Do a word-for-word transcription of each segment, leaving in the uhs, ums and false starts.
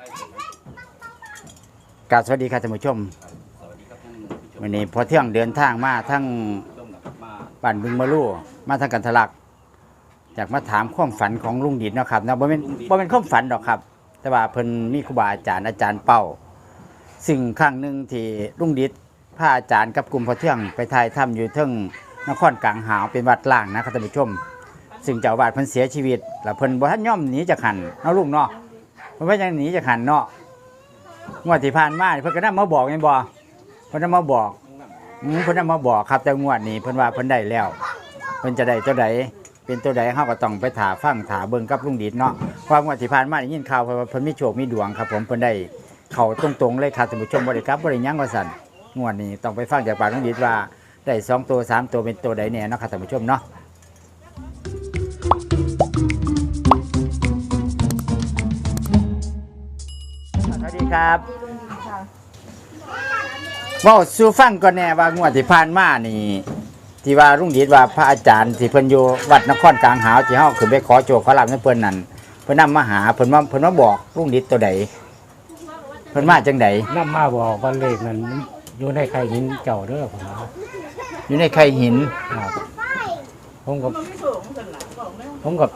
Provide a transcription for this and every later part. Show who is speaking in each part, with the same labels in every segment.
Speaker 1: กราบสวัสดีครับท่านผู้ชมวันนี้พอเที่ยงเดินทางมาทั้งบ้านบึงมะลู่มาทางกันทะลักจากมาถามความฝันของลุงดิษนะครับนะบ่เป็นบ่เป็นความฝันดอกครับ แต่ว่าเพิ่นมีครูบาอาจารย์อาจารย์เป้าซึ่งครั้งหนึ่งที่ลุงดิษพาอาจารย์กับกลุ่มพอเที่ยงไปถ่ายถ้ำอยู่เทิงนครกลางหาวเป็นวัดล่างนะครับท่านผู้ชมซึ่งเจ้าอาวาสเพิ่นเสียชีวิตแล้วเพิ่นบ่ทันยอมหนีจากหันเนาะลุงเนาะเพิ่นว่ายังหนีจากหันเนาะงวดที่ผ่านมาเพิ่นก็นำมาบอกแม่นบ่เพิ่นนำมาบอกอืมเพิ่นนำมาบอกครับแต่งวดนี้เพิ่นว่าเพิ่นได้แล้วเพิ่นจะได้เท่าใดเป็นตัวใดเฮาก็ต้องไปถาฟังถาเบิ่งกับลุงดิษเนาะความงวดที่ผ่านมาได้ยินข่าวว่าเพิ่นมีโชคมีดวงครับผมเพิ่นได้เข้าตรงๆเลยครับท่านผู้ชมบ่ได้กลับบ่ได้หยังว่าซั่นงวดนี้ต้องไปฟังจากปากลุงดิษว่าได้สองตัวสามตัวเป็นตัวใดแน่เนาะครับท่านผู้ชมเนาะสวัสดีครับเว้าสู่ฟังก่อนแน่ว่างวดที่ผ่านมานี่ที่ว่าลุงดิษว่าพระอาจารย์ที่เพิ่นอยู่วัดนครกลางหาวที่เฮาขึ้นไปขอโชคขอลาภนำเพิ่นนั่นเพิ่นนำมาหาเพิ่นมาเพิ่นมาบอกลุงดิษตัวใดเพิ่นมาจังได๋
Speaker 2: นำมาบอกว่าเลขนั้นอยู่ในไข่หินเจ้าเด้อผมว่า
Speaker 1: อยู่ในไข่หิน
Speaker 2: ครับผมกับผมกับ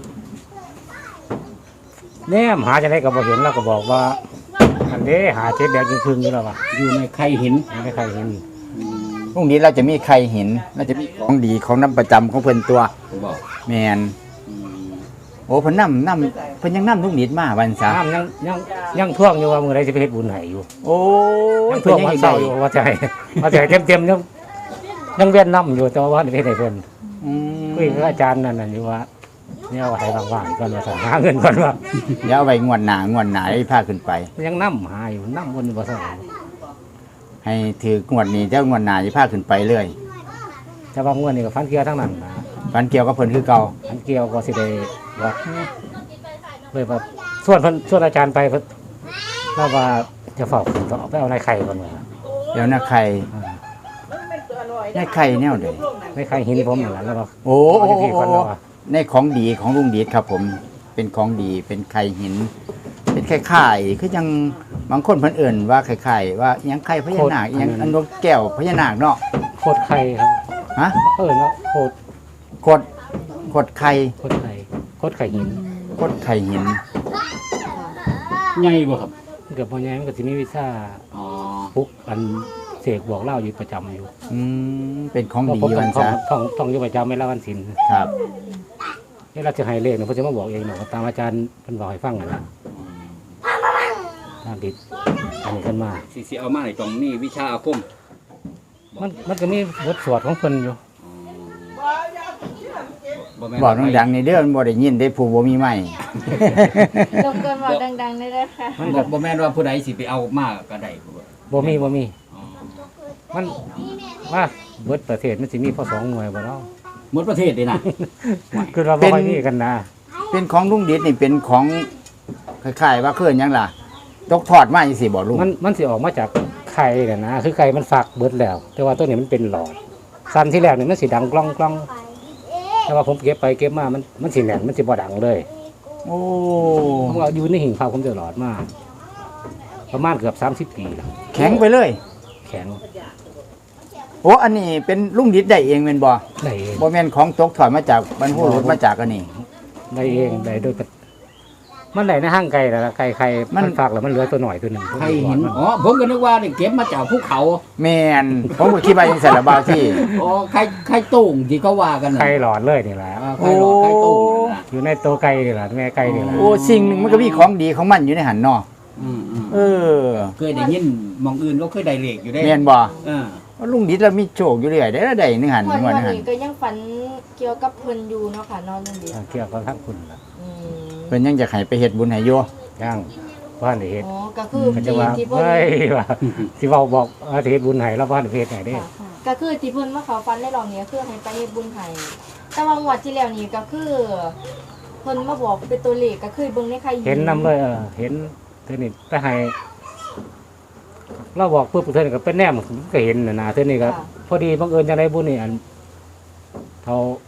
Speaker 2: แนมหาจะได้ก็บ่เห็นแล้วก็บอกว่าอันนี้หาเจ็ดแดงครึ่งๆอยู่แล้วว่ะ
Speaker 3: อยู่ในไข่หิน
Speaker 2: อยู่ในไข่หิน
Speaker 1: ลุงดิษเราจะมีไข่หินเราจะมีของดีของน้ำประจำของเพิ่นตัว
Speaker 3: บอก
Speaker 1: แม่นโอ้เพิ่นนำนำเพิ่นยังนำลุงดิษมาวันซะ
Speaker 2: น้ำยังยังยังท่วงอยู่ว่ามื้อใดสิไปเฮ็ดบุญให้อยู่
Speaker 1: โอ้
Speaker 2: ยังท่วงวันเสาร์อยู่ว่าจะให้ว่าจะให้เต็มๆยังยังเวียนน้ำอยู่แต่ว่าบ่ได้เฮ็ดให้เพิ่น
Speaker 1: อืม
Speaker 2: คุยกับอาจารย์นั่นน่ะอยู่ว่าเนี่ยว่าให้ว่างๆก่อนว่าสั่งหาเงินก่อนว่า
Speaker 1: เดี๋ยวเอาไว้งวดหน้างวดหน้าให้พาขึ้นไป
Speaker 2: ยังน้ำหาอยู่น้ำวนบ่สั่ง
Speaker 1: ให้ถือกงวดนี้เจ้างวดหน้าสิพาขึ้นไปเรื่อย
Speaker 2: แต่ว่างวดนี้ก็ฟันเกี่ยวทั้งนั้นนะ
Speaker 1: ฝันเกี่ยวกับเพิ่นคือเก่า
Speaker 2: ฟันเกี่ยวก็สิได้ว่าเลยว่าส่วนเพิ่นส่วนอาจารย์ไปเพิ่นเล่าว่าจะฝากขึ้นต่อไปเอาในไข่ก่อนว่า
Speaker 1: เดี๋ยวนะไข่ในไข่แนวใด
Speaker 2: ในไข่หินผมนั่นแหละแล้วก็
Speaker 1: โอ้
Speaker 2: เอาที่พี่ก่อนแล้วว่า
Speaker 1: ในของดีของลุงดิษครับผมเป็นของดีเป็นไข่หิน เป็นไข่ไข่คือยังบางคนเพิ่นเอิ่นว่าไข่ไข่ว่าอิหยังไข่พญานาคอิหยังอันนกแก้วพญานาคเนาะ
Speaker 2: โคตรไข่ครับ
Speaker 1: ฮะ
Speaker 2: เออเนาะโคตร
Speaker 1: กดกดไข่
Speaker 2: โคตรไข่โคตรไข่หิน
Speaker 1: กดไข่หิน
Speaker 3: ใหญ่บ่ครับ
Speaker 2: เกือบพอแย้มนก็สิมีวิชา
Speaker 3: อ๋อ
Speaker 2: ปุ๊กอันเสกบอกเล่าอยู่ประจำอยู่
Speaker 1: อืมเป็นของดี
Speaker 2: ผม
Speaker 1: วั
Speaker 2: ท่อน ง
Speaker 1: ซะ
Speaker 2: ท่องท่องอยู่ประจำไม่ละวันศีล
Speaker 1: ครับ
Speaker 2: นี่เราจะให้เลขเนี่ยเพิ่นจะมาบอกเองเนาะตามอาจารย์เพิ่นบอกให้ฟังนั่นแหละตามติดอันนี้ขึ้นมา
Speaker 3: สิสิเอามาให้ตรงนี้วิชาอาคม
Speaker 2: มันมันก็มีบทสวดของเพิ่นอยู่
Speaker 3: บ่แม่น
Speaker 1: บอกดังๆในเด้อมันบ่ได้ยินได้ผู้บ่มีไม้
Speaker 4: รบกวนบอกดังๆได้เลยค่ะ
Speaker 2: มัน
Speaker 3: บ่
Speaker 2: ก็
Speaker 3: บ่แม่นว่าผู้ใดสิไปเอามาก็ได้บ่
Speaker 2: บ่มีบ่มี
Speaker 3: อ๋อ
Speaker 2: มันว่าเบิดประเทศมันสิมีพอสองหน่วยบ่เนาะ
Speaker 3: หมดประเทศเลยนะ
Speaker 2: คือเราบ่ค่อยมีกันนะ
Speaker 1: เป็นของลุงดิษนี่เป็นของคล้ายๆว่าคือหยังล่ะตกทอดมาจังซี่บ่ลุง
Speaker 2: มันมันสิออกมาจากไข่น่ะนะคือไข่มันฝักเบิดแล้ว แต่ว่าตัวนี้มันเป็นหลอดสั้นที่แรกนี่มันสิดังกล้องกล้องแต่ว่าผมเก็บไปเก็บมามันมันสิแหลมมันสิบ่ดังเลย
Speaker 1: โอ้
Speaker 2: ผมเอาอยู่ในหิ่งพาผมจะหลอดมาประมาณเกือบสามสิบปีแล้ว
Speaker 1: แข็งไปเลย
Speaker 2: แข็ง
Speaker 1: โอ้อันนี้เป็นลุงดิษได้เองแม่นบ่
Speaker 2: ได้เอง
Speaker 1: บ่แม่นของตกทอดมาจากบรรพบุรุษมาจากอันนี้
Speaker 2: ได้เองได้โดยปะมันได้ในห้างไก่แล้วล่ะไก่ไข่
Speaker 1: มัน
Speaker 2: มันฝากแล้วมันเหลือตัวหน่อยตัวหนึ่ง
Speaker 3: ไข่หินอ๋อผมก็นึกว่านี่เก็บมาจากภูเขา
Speaker 1: แม่นผมก็คิดว่าจังซั่นล่ะบ่าวที่
Speaker 3: อ๋อไข่ไข่ตุ้งที่เขาว่ากันน่ะ
Speaker 2: ไข่หลอดเลยนี่แหละ
Speaker 3: อ่าไข่หลอดไข่ตุ้งนั่นน่ะ
Speaker 2: อยู่ในตัวไก่นี่แหละแม่ไก่นี่แหละ
Speaker 1: โอ้สิ่งหนึงมันก็มีของดีของมันอยู่ในหันเนาะ
Speaker 3: อืมอืม
Speaker 1: เออ
Speaker 3: เคยได้ยินหมองอื่นก็เคยได้เลขอยู่ได้
Speaker 1: แม่นบ่
Speaker 3: เออ
Speaker 1: ว่าลุงดิษเรามีโชคอยู่เรื่อยได้อได้นึงหัน
Speaker 4: วัน
Speaker 1: งวด
Speaker 4: วัน
Speaker 1: นึงหัน
Speaker 4: นี้ก็ยังฝันเกี่ยวกับเพิ่นอยู่เนาะค่ะนอนนั่นดี
Speaker 2: เกี่ยวกับทั้งคุณล่ะ
Speaker 4: อืม
Speaker 1: เพิ่นยังจะให้ไปเฮ็ดบุญให้อยู่
Speaker 2: ย่างบ้านได้เฮ็ด
Speaker 4: อ๋อก็คือ
Speaker 2: ก็จะ
Speaker 4: ที่
Speaker 2: ว่า
Speaker 4: ที่เพิ่น
Speaker 2: เฮ้ยว่าสิเว้าบอกว่าสิเฮ็ดบุญให้แล้วบ้านได้เฮ็ดให้เด้
Speaker 4: ค่ะก็คือที่เพิ่นมาเขาฟันในรอบนี้คือให้ไปเฮ็ดบุญให้แต่ว่างวดที่แล้วนี่ก็คือเพิ่นมาบอกเป็นตัวเลขก็คือเบิ่งในไข่
Speaker 2: เห็นนำเลยเออเห็นเท่านี้ไปให้เราบอกปุ๊บเท่านี้ก็เป็นแนมก็เห็นน่ะนะเท่านี้ก็พอดีบังเอิญจังไดบุญนี่อันเท่า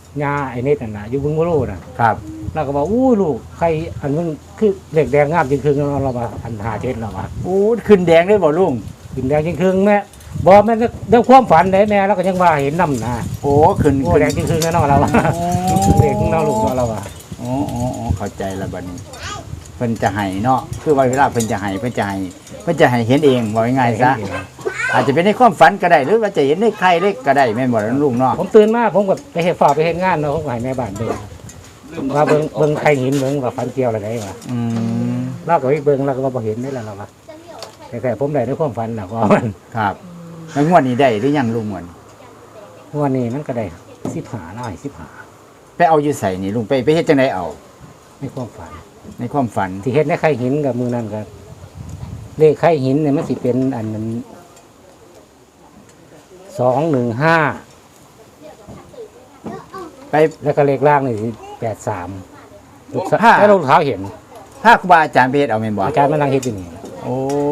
Speaker 2: ยาไอ้นิดนั่นน่ะอยู่บึงบ่รู้น่ะ
Speaker 1: ครับ
Speaker 2: เราก็บอกอู้ลูกใครอันมึงคือเหล็กแดงงามจริงคือเราว่าอันหาเจ็ดเราว่า
Speaker 1: โอ้ขึ้นแดงเลยบ่ลุง
Speaker 2: ขึ้นแดงจริงคือแม่บอกแม่เรื่องความฝันได้แม่เราก็ยังว่าเห็นน้ำนะ
Speaker 1: โอ้ขึ้น
Speaker 2: โอ้
Speaker 1: ขึ้น
Speaker 2: แดงจริงคือแน่นอนเราว่าเด็กของเราลูกเราว่า
Speaker 1: โอ้โอ้โอ้เข้าใจแล้วบัดนี้เพิ่นจะให้เนาะคือว่าเวลาเพิ่นจะให้เพิ่นจะให้เพิ่นจะให้เห็นเองว่าง่ายๆซะอาจจะเป็นในความฝันก็ได้หรือว่าจะเห็นในใครเล็กก็ได้แม่นบ่ล่ะลุงเนาะ
Speaker 2: ผมตื่นมาผมก็ไปเฮ็ดฝ่าไปเฮ็ดงานเนาะผมก็ให้แม่บ้านเบิ่งว่าเบิ่งเบิ่งใครหินเบิ่งว่าฝันเกี่ยวอะไรได้ว่า
Speaker 1: อืม
Speaker 2: เราก็ไปเบิ่งเราก็ว่าบ่เห็นได้แล้วเราว่าแต่ผมได้ในความฝันน่ะว่ามัน
Speaker 1: ครับแล้วงวดนี้ได้หรือยังลุงงวดนี้
Speaker 2: วันนี้มันก็ได้สิบห้าร้อยสิบห้า
Speaker 1: ไปเอาอยู่ใส่นี่ลุงไปไปเฮ็ดจังไดเอา
Speaker 2: ในความฝัน
Speaker 1: ในความฝัน
Speaker 2: ที่เฮ็ดในไข่หินกับมือนั่นก็เลขไข่หินเนี่ยมันสิเป็นอันนั้นสองหนึ่งห้า
Speaker 1: ไป
Speaker 2: แล้วก็เลขล่างนี่สิแปดสามลูกสาว
Speaker 1: ห้า
Speaker 2: แล้วลูกเท้าเห็น
Speaker 1: ถ้าครูบาอาจารย์ไปเฮ็ดเอาแม่นบ่
Speaker 2: อาจารย์มานั่งเฮ็ดอยู่นี่
Speaker 1: โอ้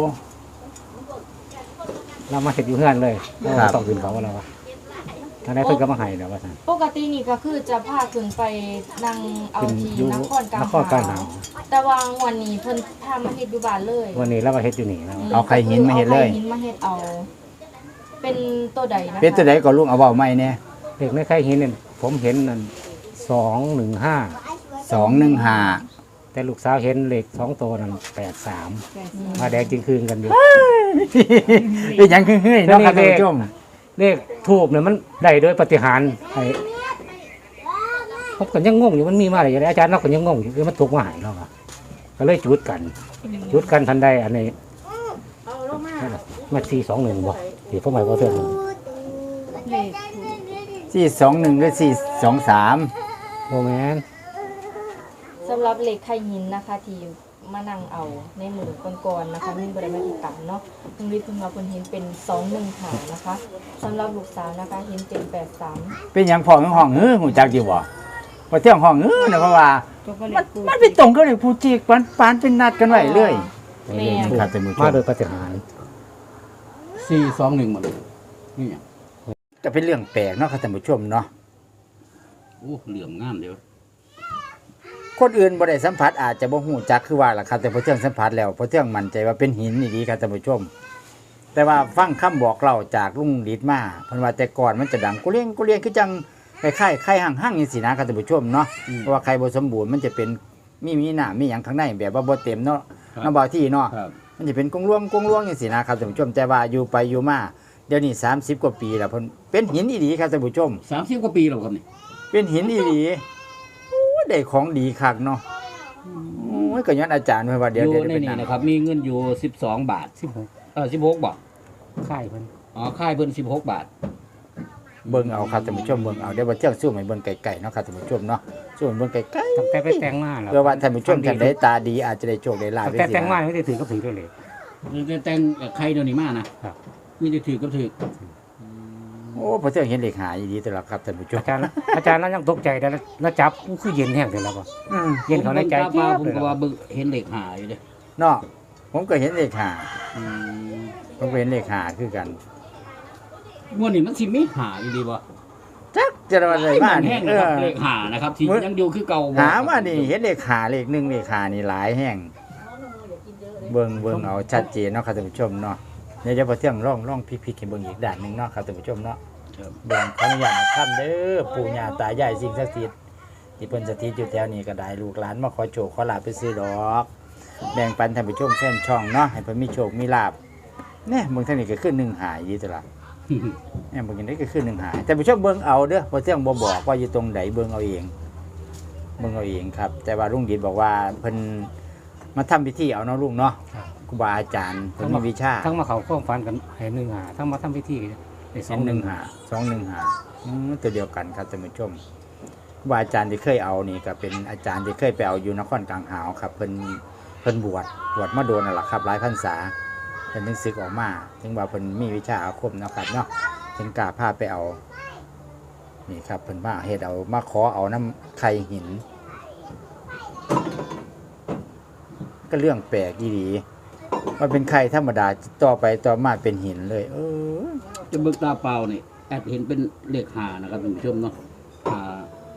Speaker 2: เรามาเฮ็ดอยู่เฮือนเลยเรา
Speaker 1: ครับ
Speaker 2: ต้องขึ้นเขาว่าเราว่าทางไหนเพิ่นก็มาให้แล้วว่าซั่น
Speaker 4: ปกตินี่ก็คือจะพาขึ้นไปนั่งเอา
Speaker 2: เป็น
Speaker 4: ที
Speaker 2: อยู่
Speaker 4: นครกลาง
Speaker 2: นครกลางหาว
Speaker 4: แต่ว่าวันนี้เพิ่นพามาเฮ็ดอยู่บ้านเลย
Speaker 2: วันนี้เรามาเฮ็ดอยู่นี่แล้ว
Speaker 1: เอาไข่หินมาเฮ็ดเลย
Speaker 4: อาไข่หินมาเฮ็ดเอา เป็นตัวใดนะคะ
Speaker 1: เป็นตัวใดก็ลุงเอาเว้าใหม่แน่
Speaker 2: เลขในไข่หินเนี่ยผมเห็นนั่นสองหนึ่งห้า
Speaker 1: สองหนึ่งห้า
Speaker 2: แต่ลูกสาวเห็นเลขสองตัวนั่นแปดสามมาแดงจริงคืนกันอยู่
Speaker 1: เป็นหยังคือเฮ้ยเนาะครับท่านผู้ชม
Speaker 2: เลขทูบเนี่ยมันได้โดยปฏิหารย์ไอ้ผมก็ยังงงอยู่มันมีมาอะไรอย่างไรอาจารย์เราก็ยังงงอยู่คือมันถูกมาใหายเราอะก็เลยจุดกัน จุดกันทันใดอันนี้มาสี่สองหนึ่งบ่ที่ผมหมายว่าเท่านั้น
Speaker 4: เลข
Speaker 1: สี่สองหนึ่งหรือสี่สองสาม
Speaker 2: โมแมน
Speaker 4: สำหรับเหล็กไข่หินนะคะที่มานั่งเอาในมือก่อนๆนะคะมีบริมาติดต่ำเนาะลุงฤทธิ์เพิ่งมาเพิ่นเห็นเป็นสองหนึ่งหานะคะสำหรับลูกสาวนะคะเห็นเป็นแปดสาม
Speaker 1: เป็นหยังพ่อของห้องเฮ้อหูจักอยู่บ่พอเที่ยงห้องเฮ้อนะเพราะว่า
Speaker 4: ก็เล
Speaker 1: มัน
Speaker 4: ขปู
Speaker 1: มันไปตรงกับเลยผู้จีกปานปานเป็นนัดกันไว้เลย
Speaker 4: แม่
Speaker 1: ครับท่านผู้ช
Speaker 2: มาม โดยปฏิหารย์
Speaker 3: สี่สองหนึ่งหมดเลยนี่หยัง
Speaker 1: ก็เป็นเรื่องแปลกเนาะครับท่านผู้ชมเนาะ
Speaker 3: โอ้เหลื่อมงามเดียว
Speaker 1: คนอื่นบ่ได้สัมผัสอาจจะบ่ฮู้จักคือว่าล่ะครับแต่พอเที่ยงสัมผัสแล้วพอเที่ยงมั่นใจว่าเป็นหินนี่ดีครับท่านผู้ชม แต่ว่าฟังคำบอกเล่าจากลุงฤทธิ์มาเพิ่นว่าแต่ก่อนมันจะดังกุเลียงกุเลียงคือจังคล้ายๆไข่ห่างๆจังซี่นะครับท่านผู้ชมเนาะเพราะว่าไข่บ่สมบูรณ์มันจะเป็นมีมีน้ำมีหยังข้างในแบบว่าบ่เต็มเนาะน้ำบ่ที่เนาะ
Speaker 3: ครับ
Speaker 1: มันจะเป็นกงลวงกงลวงจังซี่นะครับท่านผู้ชมแต่ว่าอยู่ไปอยู่มาเดี๋ยวนี้สามสิบกว่าปีแล้วเพิ่นเป็นหินอีหลีครับท่านผู้ชม
Speaker 3: สามสิบกว่าปีแล้วครับนี่
Speaker 1: เป็นหินอีหลีโอ้ยได้ของดีคักเนาะโอ้ยก็ย้อนอาจารย์เพิ่นว่า
Speaker 3: อ
Speaker 1: เดี๋ยว
Speaker 3: ยู่
Speaker 1: เดี๋ยว
Speaker 3: ใน
Speaker 1: เป็น
Speaker 3: นี่
Speaker 1: นั่น
Speaker 3: นะครับ มีเงินอยู่สิบสองบาท
Speaker 2: สิบหก
Speaker 3: เออสิบหกบาท
Speaker 2: ค่ายเพิ่น
Speaker 3: อ๋อค่ายเพิ่นสิบหกบาท
Speaker 1: เบิ่งเอาครับท่านผู้ชมเบิ่งเอาเดี๋ยวบ่เที่ยงสู้ให้เบิ่งไกลๆเนาะครับท่านผู้ชมเนาะสู้ให้เบิ่งไกล
Speaker 2: ตั้งแต่ไปแต่งมาแล้ว
Speaker 1: ๆเพื่อว่าท่านผู้ชมท่านใดตาดีอาจจะได้โชคได้ลาภ
Speaker 2: ตั้งแต่แต่งมาไม่ได้ถือก็ถือด้วยเลย
Speaker 3: แต่แต่งใครเดี๋ยวนี้มานะครับ มีแต่ถือกับถือ
Speaker 1: โอ้พอเที่ยงเห็นเลขหาอีหลีตลอดครับท่านผู้ชม
Speaker 2: อาจารย์อาจารย์แล้วยังตกใจแล้วแล้วจับอู้คือเย็นแห้งเลยแล้วบ่
Speaker 1: อืม
Speaker 2: เย็นเขาในใจ
Speaker 3: ผม
Speaker 2: เจี๊ยบ
Speaker 3: ผม
Speaker 2: เลย
Speaker 3: ก็
Speaker 2: ล่ะ
Speaker 3: ว่าเบิ่งเห็นเหล็กหาอยู่เด้
Speaker 1: เนาะผมก็เห็นเลขหา
Speaker 3: อืม
Speaker 1: ผมก็เห็นเลขหาคือกัน
Speaker 3: งวดนี้มันสิมีหาอยู่ดีบ่
Speaker 1: จักจะว่าอะไรมา
Speaker 3: มัน
Speaker 1: นี่
Speaker 3: แห้ง
Speaker 1: เอ
Speaker 3: นะครับ
Speaker 1: อ
Speaker 3: เลขหานะครับที่
Speaker 1: มื้อ
Speaker 3: ยังอยู่คือเก่าบ่
Speaker 1: หามานี่เห็นเลขหาเลขหนึ่งเลขหานี่หลายแห่งเบิ่งเบิ่งเอาชัดเจนเนาะครับท่านผู้ชมเนาะเดี๋ยวจะพอเที่ยงร่องร่องพลิกๆให้เบิ่งอีกด้านหนึงเนาะครับท่านผู้ชมเนาะ
Speaker 3: ครับ
Speaker 1: เบิ่งขออนุญาตนะครับเด้อปู่ย่าตายายสิ่งศักดิ์สิทธิ์ที่เพิ่นสถิตอยู่แถวนี้ก็ได้ลูกหลานมาขอโชคขอลาภไปซื้อดอกแบ่งปันท่านผู้ชมแฟนช่องเนาะให้เพิ่นมีโชคมีลาภแน่เบิ่งทางนี้ก็ขึ้นหนึ่งหายอยู่ตลอดแน่เบิ่งอย่างนี้ก็ขึ้นหนึ่งหายแต่ผู้ชมเบิ่งเอาเด้อบ่เที่ยงบ่บอกว่าอยู่ตรงไหนเบิ่งเอาเองเบิ่งเอาเองครับ แต่ว่าลุงดิษบอกว่าเพิ่นมาทำพิธีเอาเนาะลุงเนาะครูบาอาจารย์เพิ่นมีวิชา
Speaker 2: ทั้งมาเขาความฝันกันให้หนึ่งหาทั้งมาทำพิธีได้ส
Speaker 1: ส
Speaker 2: อ
Speaker 1: อง ง
Speaker 2: ห
Speaker 1: ห
Speaker 2: นึ่
Speaker 1: นึ่
Speaker 2: ง
Speaker 1: ง
Speaker 2: หา
Speaker 1: หาสองหนึ่งหาอืมตัวเดียวกันครับท่านผู้ชมครูบาอาจารย์ที่เคยเอานี่ก็เป็นอาจารย์ที่เคยไปเอาอยู่นครกลางหาวครับเพิ่นเพิ่นบวชบวชมาโดนนั่นแหละครับหลายพรรษาเพิ่นถึงศึกออกมาถึงว่าเพิ่นมีวิชาอาคมเนาะครับเนาะถึงกล้าพาไปเอานี่ครับเพิ่นมาเฮ็ดเอามาขอเอาน้ำไข่หิน ก็เรื่องแปลกอีหลีมันเป็นไข่ธรรมดาต่อไปต่อมาเป็นหินเลย เออ
Speaker 3: จะเบิกตาเปล่านี่แอดเห็นเป็นเลขหานะครับท่านผู้ชมเนาะหา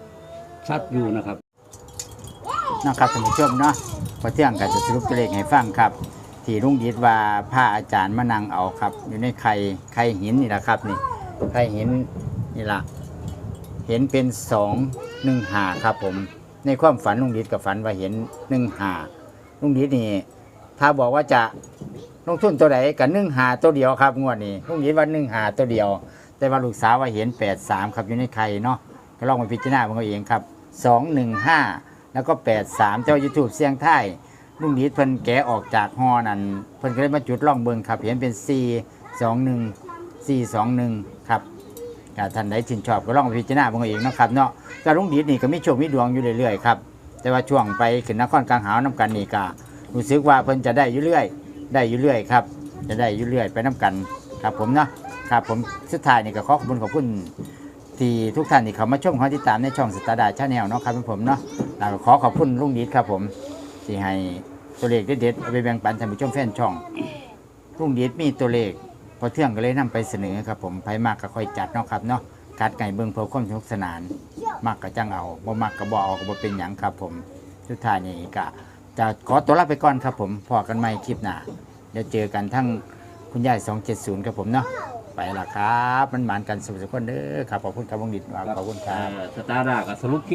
Speaker 3: ชัดอยู่นะครับ
Speaker 1: นะครับท่านผู้ชมเนาะพอเที่ยงก็จะสรุปตัวเลขให้ฟังครับ ที่ลุงดิษว่าพระอาจารย์มานั่งเอาครับ อยู่ในไข่ไข่หินนี่แหละครับนี่ไข่หินนี่ละเห็นเป็นสองหนึ่งหาครับผมในความฝันลุงดิษกับฝันว่าเห็นหนึ่งหาลุงดิษนี่ถ้าบอกว่าจะลงทุนตัวไหนกับหนึ่งหาตัวเดียวครับงวดนี้ลุงดิษว่าหนึ่งหาตัวเดียว แต่ว่าลูกสาวว่าเห็นแปดสามครับอยู่ในไข่เนาะก็ลองไปพิจารณาของเขาเองครับสองหนึ่งห้าแล้วก็แปดสามเจ้ายูทูบเสียงไทยลุงดิษเพิ่นแกะออกจากฮอนั่นเพิ่นก็เลยมาจุดล่องเบิงครับเห็นเป็นสี่สองหนึ่งสี่สองหนึ่งครับถ้าท่านใดชื่นชอบก็ลองไปพิจารณาของเขาเองเนาะครับเนาะการลุงดิษนี่ก็มีโชคมีดวงอยู่เรื่อยๆครับแต่ว่าช่วงไปขึ้นนครกลางหาวน้ำกันนี่ก็รู้สึกว่าเพิ่นจะได้อยู่เรื่อยได้อยู่เรื่อยครับจะได้อยู่เรื่อยไปน้ำกันครับผมเนาะครับผมสุดท้ายนี่ก็ขอขอบคุณขอบคุณที่ทุกท่านที่เข้ามาชมขอติดตามในช่องสตาร์ดาชาแนลเนาะครับผมเนาะแล้วก็ขอขอบคุณลุงดิษครับผมที่ให้ตัวเลขเด็ดๆเอาไปแบ่งปันท่านผู้ชมแฟนช่องลุงดิษมีตัวเลขพอเที่ยงก็เลยนำไปเสนอครับผมไผมากก็ค่อยจัดเนาะครับเนาะกัดไก่เบิ่งเพื่อความสนุกสนานมากก็จังเอาบ่มากก็บ่เอาก็บ่เป็นหยังครับผมสุดท้ายนี่ก็จะขอตัวลาไปก่อนครับผมพอกันใหม่คลิปหน้าเดี๋ยวเจอกันทั้งคุณยายสองเจ็ดศูนย์ครับผมเนาะไปละครับมันหมานกันสุขสุขคนเด้อครับขอบคุณครับวงดิษฐ์ขอบคุณครับ
Speaker 3: สตาร์ดากับสรุป